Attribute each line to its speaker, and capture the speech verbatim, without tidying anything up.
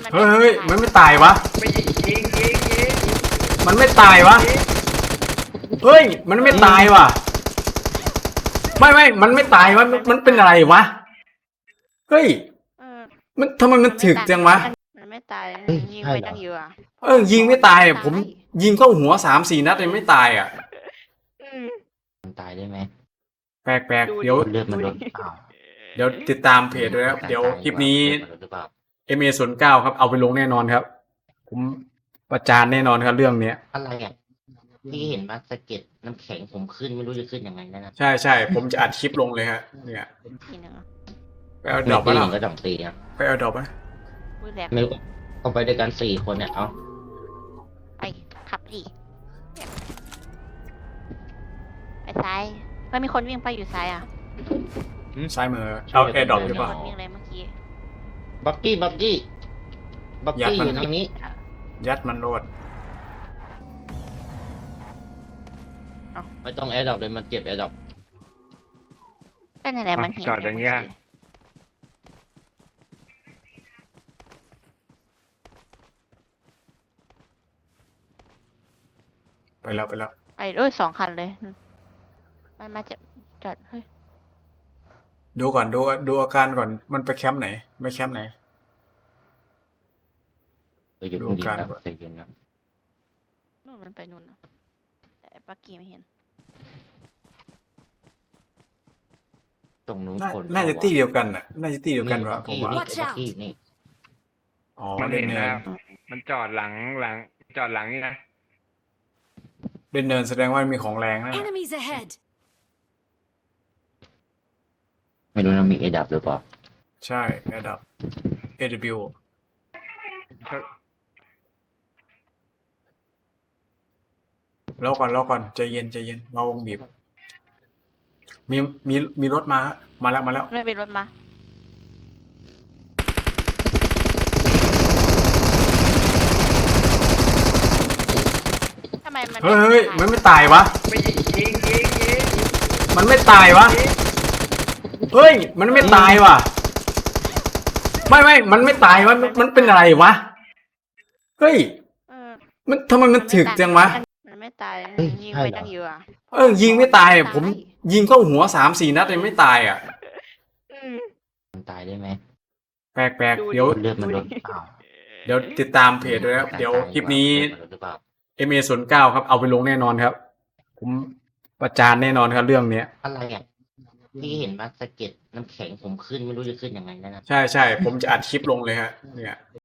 Speaker 1: มัน
Speaker 2: เฮ้
Speaker 1: ไม่
Speaker 2: ยเฮ้ยมันไม่ตายวะ
Speaker 3: ไม่ยิงยิงยิงยิง
Speaker 2: มันไม่ตายวะ เฮ้ย มันไม่ตายวะไม่ไม่มันไม่ตายวะมันมันเป็นอะไรวะ เฮ้ย
Speaker 1: เออ
Speaker 2: มันทำไมมันถึกจังวะ
Speaker 1: มันไม่ตาย
Speaker 4: เฮ้ย
Speaker 1: ยิง
Speaker 4: ใช่
Speaker 1: ไป
Speaker 4: เหรอ
Speaker 1: ตั้งเยอะอะ
Speaker 2: เออยิงไม่ตายอะผมยิงเข้าหัวสามสี่นัดเลยไม่ตายอ่ะ
Speaker 1: อืม
Speaker 4: มันตายได้ไหม
Speaker 2: แปลกแปลก
Speaker 1: ดูดิ
Speaker 2: เดี๋ยว
Speaker 4: เลือดมันลดเปล่า
Speaker 2: เดี๋ยวติดตามเพจด้วยนะครับเดี๋ยวคลิปนี้
Speaker 4: เลือดมันลดหรือเปล่า
Speaker 2: เอ็มเอศูนย์เก้าครับเอาไปลงแน่นอนครับ ผมประจานแน่นอนครับเรื่องเนี้ย
Speaker 4: อะไรอ่ะพี่เห็นว่าสะเก็ดน้ำแข็งผมขึ้นไม่รู้จะขึ้นยังไงแล้วนะ
Speaker 2: ใช่ใช่ผมจะอัดคลิปลงเลยฮะเนี่ย
Speaker 1: ทีหนึ่งอะ
Speaker 2: ไปเอาด
Speaker 4: ไม่
Speaker 2: อก
Speaker 4: ตี
Speaker 2: มา
Speaker 4: ห
Speaker 2: แล้
Speaker 4: นึ่
Speaker 2: ว
Speaker 4: งก็ต้องตีนะ
Speaker 2: ไปเอาดอกมา
Speaker 1: พูดแหลก
Speaker 4: ไม่รู้เอาไปด้วยกันสี่คนเนี่ยเอา
Speaker 1: ไปขับดิไปซ้ายเฮ้ยมีคนวิ่งไปอยู่ซ้ายอ่ะ
Speaker 2: อืมซ้ายมือเอาแอร์ดรอปหรือเปล่า
Speaker 1: คนวิ่งเลยเมื่อกี้
Speaker 4: บักกี้บักกี้บัก
Speaker 2: อยาก
Speaker 4: กี้
Speaker 2: มัน
Speaker 4: อยู่ทางนี้
Speaker 2: ยัดมันโลด
Speaker 4: ไม่ต้องแอร์ดรอปเลยมันเก็บแอร์ดรอป
Speaker 1: เป็นอะไรมันเห็น
Speaker 3: จอดอย่างเงี้ย
Speaker 2: ไปแล้วไปแล้ว
Speaker 1: ไปด้วยสองคันเลยมันมาจะจอดเฮ้ย
Speaker 2: ดูก่อนดูดูอาการก่อนมันไปแคมป์ไหนไม่แคมป์ไหน
Speaker 4: ไปอยู่
Speaker 2: ดู
Speaker 4: ตรงนี้
Speaker 2: การ
Speaker 4: นะ
Speaker 2: ก่อน
Speaker 4: ใจเย็นนะ
Speaker 1: นู่นมันไปนู่นนะแต่ปักกี้ไม่เห็น
Speaker 4: ตรงนู้น
Speaker 2: น่า
Speaker 4: คน
Speaker 2: น่าจะตี้เดียวกันน่ะน่าจะตี้เดียวกันวะ
Speaker 4: บัก
Speaker 2: ผม
Speaker 4: กี้
Speaker 2: ว่า
Speaker 4: นี่บักกี้นี่
Speaker 2: อ๋อ
Speaker 3: มัน
Speaker 2: เดิ
Speaker 3: เห็
Speaker 2: น
Speaker 3: น
Speaker 2: เนิ
Speaker 3: นะ
Speaker 2: น
Speaker 3: มันจอดหลังหลังจอดหลังนี่นะ
Speaker 2: เดินเนินแสดงว่ามีของแรงนะ
Speaker 5: Enemies ahead!
Speaker 4: ไม่รู้นะมีเอดับหรือเปล่า
Speaker 2: ใช่ระดับ เอ ดับเบิลยู รอก่อนรอก่อนใจเย็นใจเย็นมาวงบีบมีมีมีรถมามาแล้วมาแล้ว
Speaker 1: ไม่เป็นรถมาทำไมมัน
Speaker 2: เฮ้ยเฮ้ยมันไม่ตายวะ
Speaker 3: ไม่ยิงยิงยิงยิง
Speaker 2: มันไม่ตายวะ เฮ้ย มันไม่ตายวะไม่ไม่มันไม่ตายวะมันมันเป็นอะไรวะ เฮ้ย
Speaker 1: เออ
Speaker 2: มันทำไมมันถึกจังวะ
Speaker 1: มันไม่ตาย
Speaker 4: เฮ้ย
Speaker 1: ยิง
Speaker 4: ใช่
Speaker 1: ไป
Speaker 4: เหรอ
Speaker 1: ตั้งเยอะอะ
Speaker 2: เออยิงไม่ตายอะผมยิงเข้าหัวสามสี่นัดเลยไม่ตายอ่ะ
Speaker 1: อืม
Speaker 4: มันตายได้ไหม
Speaker 2: แปลกแปลก
Speaker 1: ดูดิ
Speaker 2: เดี๋ยว
Speaker 4: เลือดมันลดเปล่า
Speaker 2: เดี๋ยวติดตามเพจด้วยนะครับเดี๋ยวคลิปนี้
Speaker 4: เลือดมันลดหรือเปล่า
Speaker 2: เอ็มเอศูนย์เก้าครับเอาไปลงแน่นอนครับ ผมประจานแน่นอนครับเรื่องเนี้ย
Speaker 4: อะไรอ่ะพี่เห็นว่าสะเก็ดน้ำแข็งผมขึ้นไม่รู้จะขึ้นยังไงแล้วนะ
Speaker 2: ใช่ใช่ผมจะอัดคลิปลงเลยฮะเนี่ย